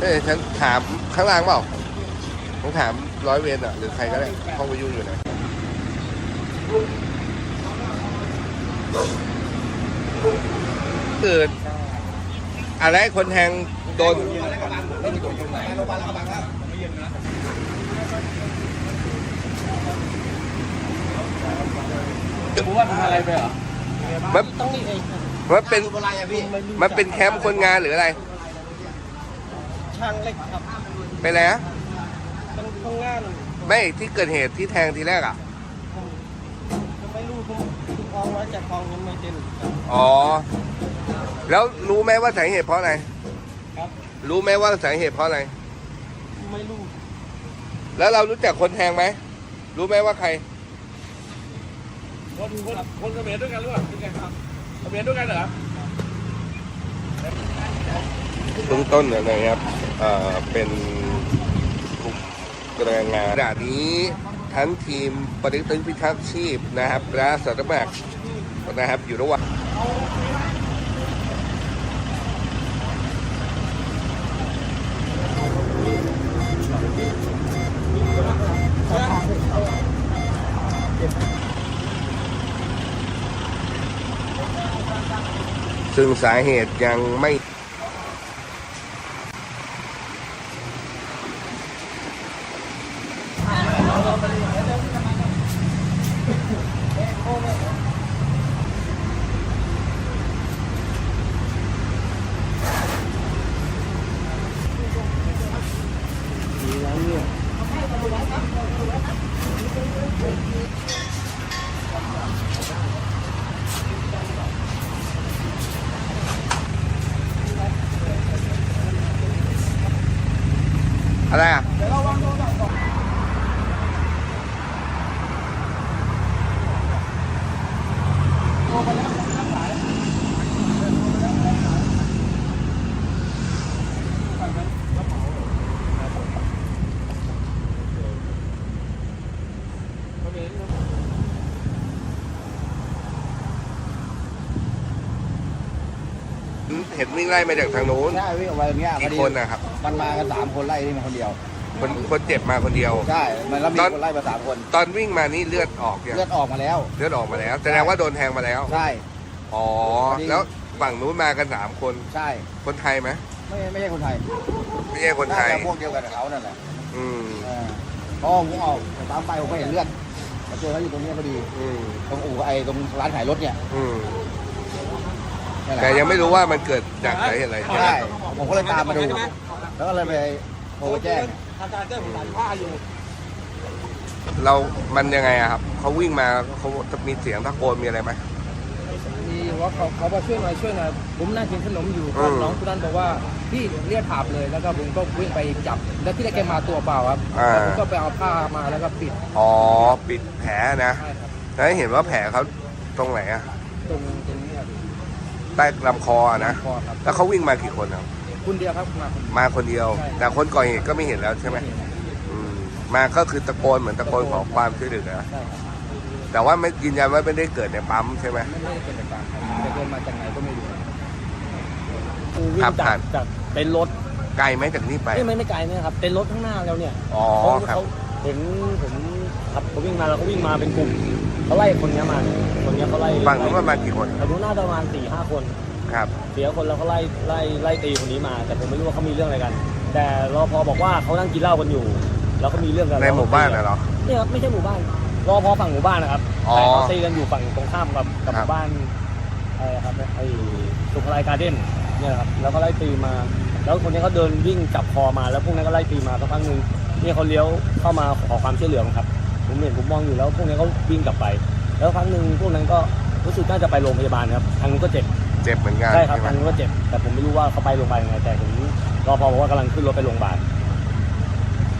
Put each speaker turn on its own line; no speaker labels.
ฉันถามข้างล่างเปล่าต้องถามร้อยเวรอ่ะหรือใครก็ได้ห้องวิทยุอยู่ไหนเกิดอะไรคนแทงโดน
ผมว่าทำอะไรไปเหรอ
มัน
ต้องนี่เอง
มันเป็นแคมป์คนงานหรืออะไร
ช่างเล็กครับ
ไปแล้ว
เป็นคนงาน
ไม่ที่เกิดเหตุที่แทงทีแรกอ่ะ
ไม่รู้ผมคลองแล้วจากคลองยังไม่เต็ม
อ๋อแล้วรู้ไหมว่าสาเหตุเพราะอะไร
ครับ
รู้ไหมว่าสาเหตุเพราะอะไร
ไม่รู้
แล้วเรารู้จักคนแทงไหมรู้ไหมว่าใคร
คนเขมรด้วยกันหรือเปล่าเป็นไงครับเขมรด้วยกันเหรอ
เบื้องต้นนะครับเป็นกลุ่มแรงงานขณะนี้ทั้งทีมปฏิบัติพิทักษ์ชีพนะครับและอาสาสมัครนะครับอยู่ระหว่างซึ่งสาเหตุยังไม่อะไรอ่ะเห็นวิ่งไล่มาจากทางโน้น
ใช่วิ่งออกมาตรงนี้
กี่คนนะครับ
มันมากัน3 คนไล่นี่มาคนเดียว
คนเจ็บมาคนเดียว
ใช่มันแล้วมีคนไล่มา3 คน
ตอนวิ่งมานี่เลือดออกยัง
เลือดออกมาแล้ว
เลือดออกมาแล้วแสดงว่าโดนแทงมาแล้ว
ใช่
อ๋อแล้วฝั่งนู้นมากัน3 คน
ใช่
คนไทยไหม
ไม่ใช่คนไทย
ไม่ใช่คนไทย
พวกเดียวกันกับเขานั่นแหละ
พอ
ผมออกตามไปผมก็เห็นเลือดมาเจอเขาอยู่ตรงนี้พอดีตรงอู่ตรงร้านขายรถเนี่ย
แต่ยังไม่รู้ว่ามันเกิดจากสาเหตุอะไร
ใช่ผมก็เลยตามมาดูแล้วก็เลยไปโทรแจ้ง
เรามันยังไงอะครับเขาวิ่งมาเขาจะมีเสียงตะโกนมีอะไรไหม
มีว่าเขามาช่วยหน่อยผมนั่งกินขนมอยู่ก็น้องคนนั้นบอกว่าพี่เรียกถามเลยแล้วก็ผมก็วิ่งไปจับแล้วที่แรกแกมาตัวเปล่าครับผมก็ไปเอาผ้ามาแล้วก็ปิด
อ๋อปิดแผลนะแล้วเห็นว่าแผลเขาตรงไหนอะ
ตรงนี้ครับ
ใต้ลำคอนะแล้วเขาวิ่งมากี่คนครับ
คนเดียวครับ
มาคนเดียวแต่คนก่อเหตุก็ไม่เห็นแล้วใช่ไหมมาก็คือตะโกนเหมือนตะโกนขอความช่วยเหลือแต่ว่าไม่ยืนยันว่าไม่ได้เกิดในปั๊มใช่ไหม
ไม่ได้เกิดในปั๊มแต่เดินมาจากไหนก็ไม่รู้
ขับผ่าน
จากเป็นรถ
ไกลไหมจากนี้ไป
ไม่ไกลนะครับเป็นรถข้างหน้าแล้วเนี่ยเขาเห็นผมขับเขาวิ่งมาแล้วเขาวิ่งมาเป็นกลุ่มเขาไล่คนนี้มาคนนี้เขาไล่
ฝั่งนู้นประมาณกี่คน
ฝั่งนู้นน่าจะประมาณ4-5 คน
ครับ
เสียคนแล้วเขาไล่ตีคนนี้มาแต่ผมไม่รู้ว่าเขามีเรื่องอะไรกันแต่รปภบอกว่าเขานั่งกินเหล้ากันอยู่แล้วเขามีเรื่องกัน
ในหมู่บ้านเหรอ
นี่ครับไม่ใช่หมู่บ้านรปภฝั่งหมู่บ้านนะครับแต่เขาตีกันอยู่ฝั่งตรงข้ามกับหมู่บ้านครับไอ้สุขไลการ์เด้นเนี่ยครับแล้วก็ไล่ตีมาแล้วคนนี้เขาเดินวิ่งจับคอมาแล้วพวกนั้นก็ไล่ตีมาสักพักนึงนี่เขาเลี้ยวเข้ามาขอความช่วยเหลือครับผมเห็นผมมองอยู่แล้วพวกนี้เขาวิ่งกลับไปแล้วครั้งนึงพวกนั้นก็รู้สึกน่าจะไปโรงพยาบาลครับทางนู้นก็เจ็บ
เหมือนกัน
ใช่ครับทางนู้นก็เจ็บแต่ผมไม่รู้ว่าเขาไปโรงพยาบาลยังไงแต่ผมรปภบอกว่ากำลังขึ้นรถไปโรงพยาบาล